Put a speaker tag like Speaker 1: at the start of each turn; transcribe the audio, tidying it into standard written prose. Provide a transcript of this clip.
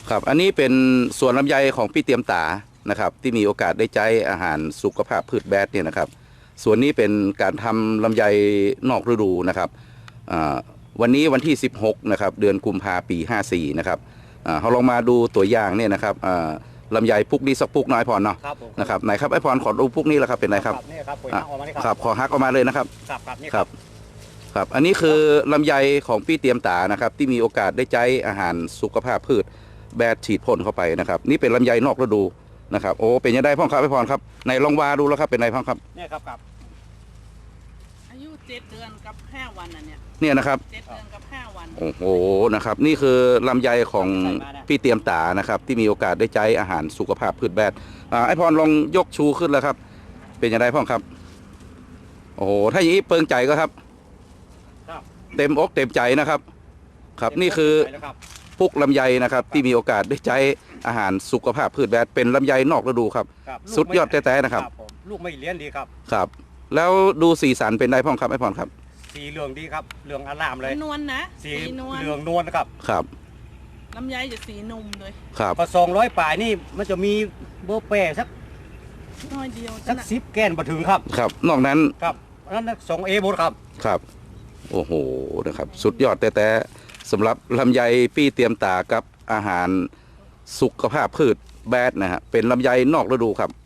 Speaker 1: ครับอันนี้เป็นสวนลำไยของพี่เตรียมตานะครับที่มีโอกาสได้ใช้อาหารสุขภาพพืชแบดเนี่ยนะครับส่วนนี้เป็นการทำลำไยนอกฤดูนะครับวันนี้วันที่16นะครับเดือนกุมภาพันธ์ปี54นะครับเราลองมาดูตัวอย่างเนี่ยนะครับลำไยพุกนี้สักพุกน้อยพรเนาะนะครับไหนครับไอพรขอดูพุกนี้แล้วครับเป็นไงครับ
Speaker 2: นี่ครับ
Speaker 1: ครับขอฮักออกมาเลยนะครับ
Speaker 2: ครับนี่
Speaker 1: ครับครับอันนี้คือลำไยของพี่เตรียมตานะครับที่มีโอกาสได้ใช้อาหารสุขภาพพืชแบดฉีดพ่นเข้าไปนะครับนี่เป็นลำไยนอกฤดูนะครับโอ้เป็นยังไงพ่อครับไอพรครับในลองวาดูแล้วครับเป็นไงพ่อครับ
Speaker 2: นี่ครับ
Speaker 3: อายุ7 เดือนกับ5 วันเนี่ย
Speaker 1: เนี่ยนะครับ
Speaker 3: 7 เดือนกับ5 วัน
Speaker 1: โอ้โหนะครับนี่คือลำไยของพี่เตรียมตานะครับที่มีโอกาสได้ใช้อาหารสุขภาพพืชแบดไอพรลองยกชูขึ้นแล้วครับเป็นยังไงพ่อครับโอ้โหถ้าอย่างนี้เปิงใจก็ครับเต็มอกเต็มใจนะครับครับนี่คือพุกลำไยนะครับที่มีโอกาสได้ใช้อาหารสุขภาพพืชแบดเป็นลำไยนอกฤดูครับสุดยอดแท้ๆนะครับ
Speaker 2: ลูกไม่เลี้ยนดีครับ
Speaker 1: ครับแล้วดูสีสันเป็นได้พ่อครับไอพรครับ
Speaker 2: สีเหลืองดีครับเหลืองอลามเลย
Speaker 3: นวลนะ
Speaker 2: สีเหลืองนวลนะครับ
Speaker 1: ครับ
Speaker 3: ลำไยจะสีนุ่มเลย
Speaker 1: ครับ
Speaker 2: พอ200 ป่ายนี่มันจะมีเบอร์แปรสัก
Speaker 3: น้อยเดียว
Speaker 2: สัก10 แกนมาถึงครับ
Speaker 1: ครับนอกนั้น
Speaker 2: ครับนั้น2A หมดครับ
Speaker 1: ครับโอ้โหนะครับสุดยอดแต่สำหรับลำไยพี่เตรียมตากับอาหารสุขภาพพืชแบดนะฮะเป็นลำไยนอกฤดูครับ